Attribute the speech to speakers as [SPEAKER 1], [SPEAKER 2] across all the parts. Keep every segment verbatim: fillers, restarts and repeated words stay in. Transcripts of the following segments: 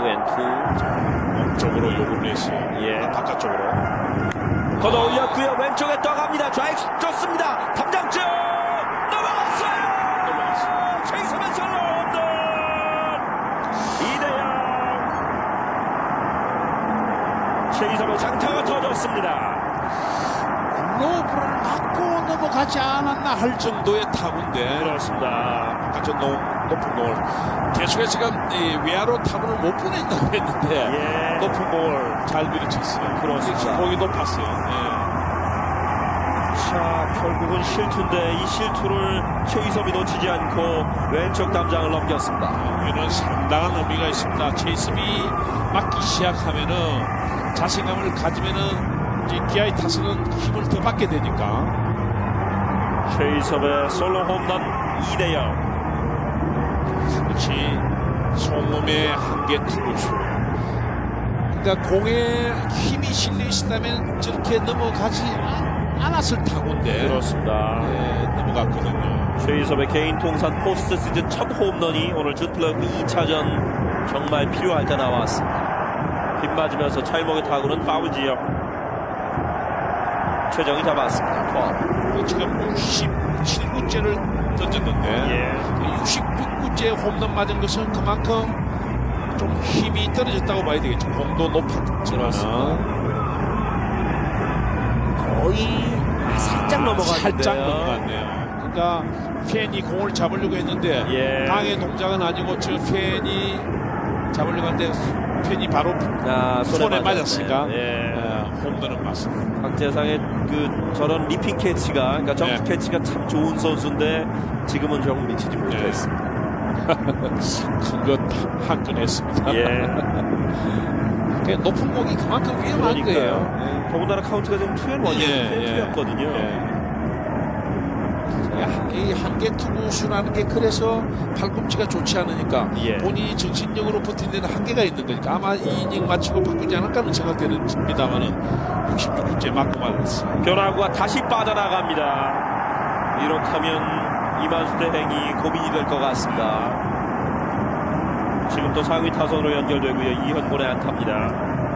[SPEAKER 1] 투앤투.
[SPEAKER 2] 쪽으로 욕을 내시.
[SPEAKER 1] 예.
[SPEAKER 2] 아, 바깥쪽으로.
[SPEAKER 1] 걷어 올렸고요. 왼쪽에 떠갑니다. 좌익 좋습니다. 탐장증 넘어갔어요. 넘어갔어요. 최이섭의 솔로 홈런. 이 대 영. 최이섭의 장타가 터졌습니다.
[SPEAKER 2] 글로브를 맞고 넘어가지 않았나 할 정도의 타구인데.
[SPEAKER 1] 그렇습니다.
[SPEAKER 2] 바깥쪽 높은 볼. 계속해서 지금 이 외야로 타구를 못 보낸다고 했는데
[SPEAKER 1] 예.
[SPEAKER 2] 높은 볼 잘 밀어쳤어요.
[SPEAKER 1] 그렇습니다.
[SPEAKER 2] 공이 높았어요. 예.
[SPEAKER 1] 자, 결국은 실투인데 이 실투를 최이섭이 놓치지 않고 왼쪽 담장을 넘겼습니다.
[SPEAKER 2] 이는 상당한 의미가 있습니다. 최이섭이 맞기 시작하면은 자신감을 가지면은 이제 기아의 타선은 힘을 더 받게 되니까.
[SPEAKER 1] 최이섭의 솔로 홈런 이 대 영.
[SPEAKER 2] 역시 송음의 한계 투구수. 그러니까 공에 힘이 실려 있다면 저렇게 넘어가지 않았을 타구인데.
[SPEAKER 1] 그렇습니다.
[SPEAKER 2] 네, 넘어갔거든요.
[SPEAKER 1] 최이섭의 개인 통산 포스트 시즌 첫 홈런이 오늘 주플레이오프 이 차전 정말 필요할 때 나왔습니다. 빗 맞으면서 찰목의 타구는 파울 지역. 최정이 잡았습니다. 투아웃.
[SPEAKER 2] 지금 육십칠 구째를 던졌는데
[SPEAKER 1] 예.
[SPEAKER 2] 육십육 구째 홈런 맞은 것은 그만큼 좀 힘이 떨어졌다고 봐야 되겠죠. 공도 높았지만
[SPEAKER 1] 거의 살짝 넘어갔는데요.
[SPEAKER 2] 살짝 넘어갔네요. 그러니까 팬이 공을 잡으려고 했는데
[SPEAKER 1] 예.
[SPEAKER 2] 방해 동작은 아니고 저 팬이 잡으려고 했는데 팬이 바로
[SPEAKER 1] 아, 손에,
[SPEAKER 2] 손에 맞았으니까
[SPEAKER 1] 예.
[SPEAKER 2] 예, 홈런은 맞습니다.
[SPEAKER 1] 박재상의 그 저런 리핑 캐치가, 그러니까 점프
[SPEAKER 2] 네.
[SPEAKER 1] 캐치가 참 좋은 선수인데 지금은 좀 미치지 못했습니다.
[SPEAKER 2] 큰것한건 했습니다.
[SPEAKER 1] 예.
[SPEAKER 2] 그러니까 높은 공이 그만큼 위험한
[SPEAKER 1] 그러니까요.
[SPEAKER 2] 거예요.
[SPEAKER 1] 예. 더군다나 카운트가 지금 투앤원이었거든요.
[SPEAKER 2] 예, 예. 이 한계 투구수라는 게 그래서 팔꿈치가 좋지 않으니까
[SPEAKER 1] 예.
[SPEAKER 2] 본인이 정신력으로 버틴 데는 한계가 있는 거니까 아마 이 이닝 마치고 바꾸지 않을까는 생각되는입니다만은 육십육 구째 맞고 말았어요.
[SPEAKER 1] 변화구가 다시 빠져나갑니다. 이렇다면 이만수 대행이 고민이 될 것 같습니다. 지금 또 상위 타선으로 연결되고요. 이현곤의 안타입니다.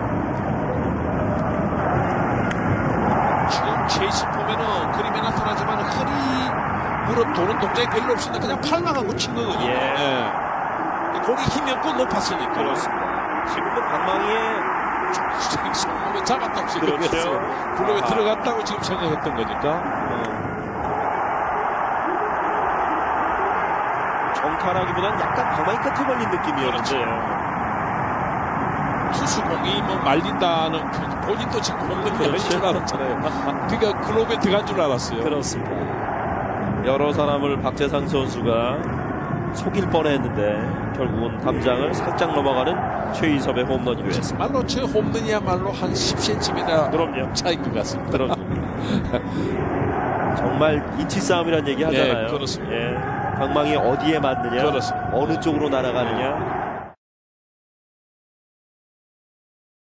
[SPEAKER 2] 지금 체이스 보면은 그림에 나타나지만 허리 무릎 도는 동작이 별로 없으니까 그냥 팔만 하고 친 거거든요.
[SPEAKER 1] 예.
[SPEAKER 2] 예. 공이 힘이 없고 높았으니까.
[SPEAKER 1] 그렇습니다. 지금도 방망이에
[SPEAKER 2] 손목에 잡았다고 생각했어요.
[SPEAKER 1] 그렇죠.
[SPEAKER 2] 블록에
[SPEAKER 1] 아.
[SPEAKER 2] 들어갔다고 지금 생각했던 거니까.
[SPEAKER 1] 정타라기보다는 약간 방망이 끝에 걸린 느낌이었는데요.
[SPEAKER 2] 투수 공이 뭐 말린다는 그 본인도 지금 홈런 열린 줄 알았잖아요. 그러니까 글로브에 들어간 줄 알았어요.
[SPEAKER 1] 그렇습니다. 여러 사람을 박재상 선수가 속일 뻔했는데 결국은 담장을 살짝 넘어가는 최이섭의 홈런이 됐습니다.
[SPEAKER 2] 말로 저 홈런이야말로 한 십 센티미터
[SPEAKER 1] 그럼요.
[SPEAKER 2] 차이인 것 같습니다.
[SPEAKER 1] 그럼 정말 인치 싸움이라는 얘기 하잖아요.
[SPEAKER 2] 네, 그렇습니다.
[SPEAKER 1] 예. 방망이 어디에 맞느냐,
[SPEAKER 2] 그렇습니다.
[SPEAKER 1] 어느 쪽으로 날아가느냐.